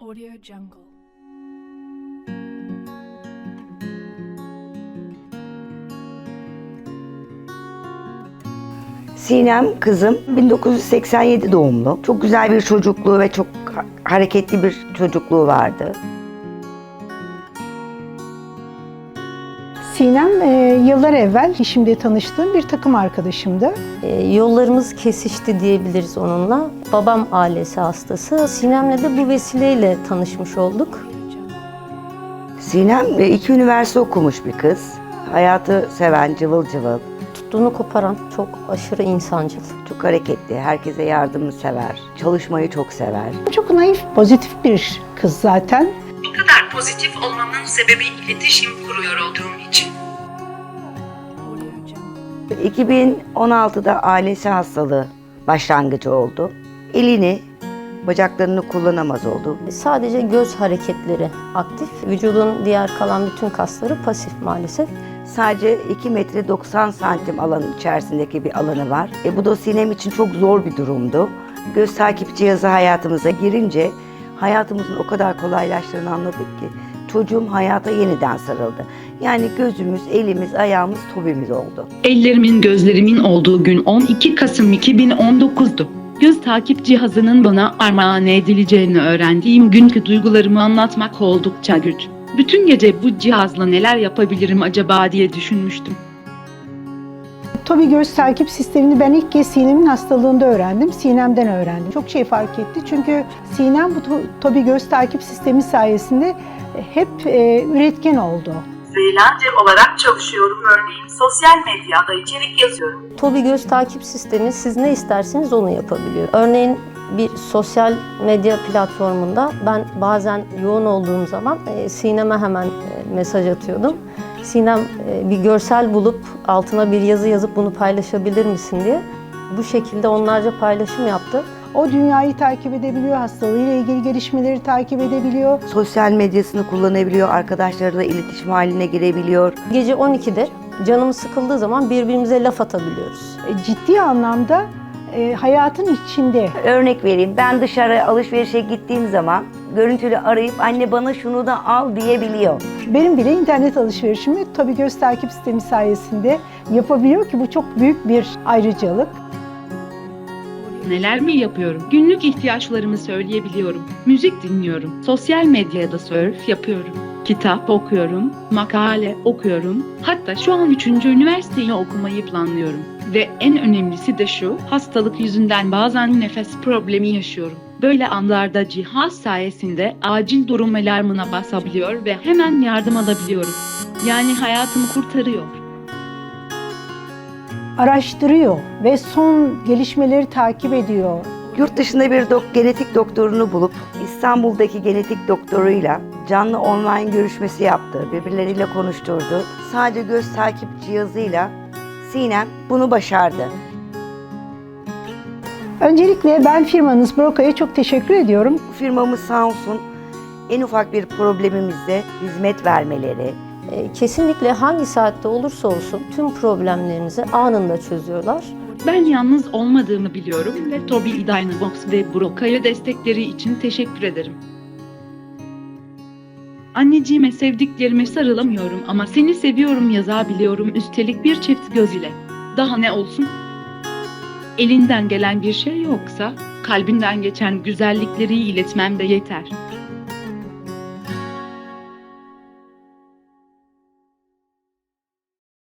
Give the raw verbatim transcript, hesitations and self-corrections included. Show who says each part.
Speaker 1: Audio Jungle.
Speaker 2: Sinem kızım bin dokuz yüz seksen yedi doğumlu. Çok güzel bir çocukluğu ve çok hareketli bir çocukluğu vardı.
Speaker 3: Sinem e, yıllar evvel şimdi tanıştığım bir takım arkadaşımdı.
Speaker 4: E, yollarımız kesişti diyebiliriz onunla. Babam ailesi hastası. Sinem'le de bu vesileyle tanışmış olduk.
Speaker 2: Sinem e, iki üniversite okumuş bir kız. Hayatı seven, cıvıl cıvıl.
Speaker 4: Tuttuğunu koparan, çok aşırı insancıl.
Speaker 2: Çok hareketli, herkese yardımı sever. Çalışmayı çok sever.
Speaker 3: Çok naif, pozitif bir kız zaten.
Speaker 5: Bu kadar pozitif olmamın sebebi iletişim kuruyor olduğum için.
Speaker 1: Audio Jungle.
Speaker 2: iki bin on altıda ailesi hastalığı başlangıcı oldu. Elini, bacaklarını kullanamaz oldu.
Speaker 4: Sadece göz hareketleri aktif. Vücudun diğer kalan bütün kasları pasif maalesef.
Speaker 2: Sadece iki metre doksan santim alanın içerisindeki bir alanı var. E, bu da Sinem için çok zor bir durumdu. Göz takip cihazı hayatımıza girince hayatımızın o kadar kolaylaştığını anladık ki çocuğum hayata yeniden sarıldı. Yani gözümüz, elimiz, ayağımız, tobimiz oldu.
Speaker 6: Ellerimin gözlerimin olduğu gün on iki Kasım iki bin on dokuz'du. Göz takip cihazının bana armağan edileceğini öğrendiğim günkü duygularımı anlatmak oldukça güç. Bütün gece bu cihazla neler yapabilirim acaba diye düşünmüştüm.
Speaker 3: Tobii göz takip sistemini ben ilk kez Sinem'in hastalığında öğrendim. Sinem'den öğrendim. Çok şey fark etti çünkü Sinem bu to- Tobii göz takip sistemi sayesinde hep e, üretken oldu.
Speaker 5: Freelancer olarak çalışıyorum, örneğin sosyal medyada içerik yazıyorum.
Speaker 4: Tobii göz takip sistemi siz ne isterseniz onu yapabiliyor. Örneğin bir sosyal medya platformunda ben bazen yoğun olduğum zaman e, Sinem'e hemen e, mesaj atıyordum. Sinem e, bir görsel bulup altına bir yazı yazıp bunu paylaşabilir misin diye. Bu şekilde onlarca paylaşım yaptı.
Speaker 3: O dünyayı takip edebiliyor, hastalığıyla ilgili gelişmeleri takip edebiliyor.
Speaker 2: Sosyal medyasını kullanabiliyor, arkadaşlarıyla iletişim haline girebiliyor.
Speaker 4: Gece on ikide canımız sıkıldığı zaman birbirimize laf atabiliyoruz.
Speaker 3: E, Ciddi anlamda e, hayatın içinde.
Speaker 2: Örnek vereyim, ben dışarı alışverişe gittiğim zaman görüntülü arayıp anne bana şunu da al diyebiliyor.
Speaker 3: Benim bile internet alışverişimi Tobii göz takip sistemi sayesinde yapabiliyor ki bu çok büyük bir ayrıcalık.
Speaker 6: Neler mi yapıyorum? Günlük ihtiyaçlarımı söyleyebiliyorum. Müzik dinliyorum. Sosyal medyada surf yapıyorum. Kitap okuyorum. Makale okuyorum. Hatta şu an üçüncü üniversiteyi okumayı planlıyorum. Ve en önemlisi de şu, hastalık yüzünden bazen nefes problemi yaşıyorum. Böyle anlarda cihaz sayesinde acil durum alarmına basabiliyor ve hemen yardım alabiliyorum. Yani hayatımı kurtarıyor.
Speaker 3: Araştırıyor ve son gelişmeleri takip ediyor.
Speaker 2: Yurt dışında bir dok genetik doktorunu bulup İstanbul'daki genetik doktoruyla canlı online görüşmesi yaptı. Birbirleriyle konuşturdu. Sadece göz takip cihazıyla Sinem bunu başardı.
Speaker 3: Öncelikle ben firmanız Broka'ya çok teşekkür ediyorum.
Speaker 2: Firmamız sağ olsun en ufak bir problemimizde hizmet vermeleri,
Speaker 4: E, kesinlikle hangi saatte olursa olsun tüm problemlerinizi anında çözüyorlar.
Speaker 6: Ben yalnız olmadığımı biliyorum ve Tobii Dynavox ve Broka'ya destekleri için teşekkür ederim. Anneciğime sevdiklerime sarılamıyorum ama seni seviyorum yazabiliyorum üstelik bir çift göz ile. Daha ne olsun? Elinden gelen bir şey yoksa kalbinden geçen güzellikleri iletmem de yeter.